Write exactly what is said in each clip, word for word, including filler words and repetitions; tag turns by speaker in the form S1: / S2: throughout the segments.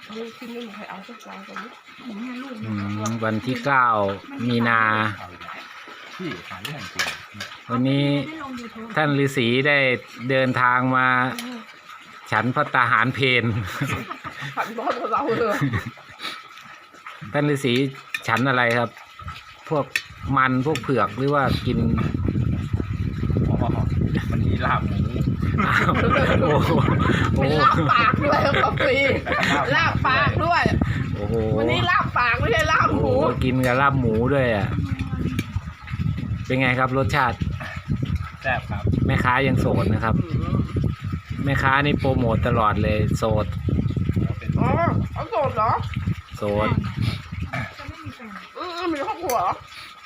S1: ลูกที่นี่ใครเอาสักวางตรงนี้
S2: วันที่เก้ามีนา
S3: ที่หาเรื่องจริง
S2: วันนี้ท่านฤาษีได้เดินทางมาฉันพระตาหารเพน
S1: ผัดบอสกับเราเลย
S2: ท่านฤาษีฉันอะไรครับ พวกมันพวกเผือกหรือว่ากิน
S3: อ๋อมันมีลาบหมู
S2: อ้าวโอ้โหโอ้
S1: เป็น
S2: โห
S1: ลาบปากด้วยครับพี่ลาบปากด้วย
S2: โอ้โห
S1: วันนี้ลาบปากไม่ใช่ลาบ
S2: โอ้
S1: ห
S2: โห
S1: มู
S2: กินกับลาบหมูด้วยอ่ะเป็นไงครับรสชาติ
S3: แซ่บครับ
S2: แม่ค้ายังโสดนะครับ แม่ค้านี่โปรโมทตลอดเลยโสด
S3: เป็น
S1: อ๋อเอาโสดเหรอ
S2: โสด
S1: อืมมีครอบครัวเหรอ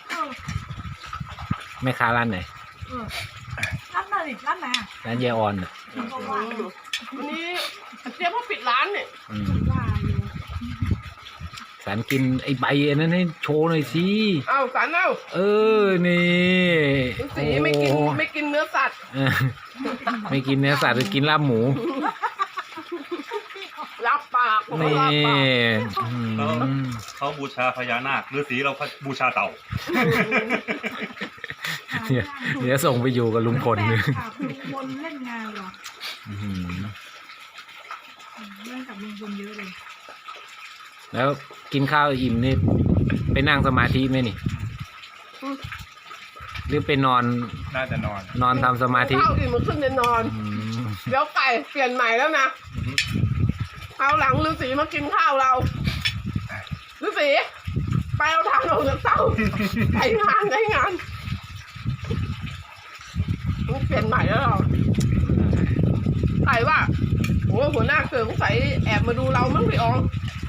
S2: แม่ค้าร้านไหน
S4: รับมาดิรับมา
S2: ร้านยายออนอ่ะ
S1: วันนี้เจ๊เขาปิดร้านเนี่ย
S2: อืม
S4: ว่าอยู่
S2: สารกินไอ้ใบอันนั้นให้โชว์หน่อยสิ
S1: เอาสารเอา
S2: เออนี่
S1: ฤาษีไม่กิน
S2: โอ้
S1: ไม่กินเนื้อสัตว์
S2: เออไม่กินเนื้อสัตว์จะกินลาบหมู
S1: ลาบปากผม
S2: นี่
S1: ว่าลาบปาก
S2: อืม
S5: เขาบูชาพญานาคฤาษีเราบูชาเต่า
S2: เดี๋ยวเดี๋ยวส่งไปอยู่กับลุงพล
S4: แฟ
S2: เลย
S4: นคลับลุงพลเล่นงานเหรอ
S2: อื้อหือ
S4: เล่นกับลุงพลเยอะเลย
S2: แล้วกินข้าวอิ่มนี่ไปนั่งสมาธิไหมนี่ หรือไปนอน
S3: น่าจะนอน
S2: นอนทำสมาธิ
S1: ข้าวอิ่มมันขึ้นจะนอน
S2: อืม
S1: เดี๋ยวไก่เปลี่ยนใหม่แล้วนะเอาหลังฤาษีมากินข้าวเราฤาษีไปเอาทางออกจากเต้าไปงานไปงานมันเปลี่ยนใหม่แล้วเหรอใครว่าโอ้หัวหน้าเกิดสงสัยแอบมาดูเรามั้งพี่ออง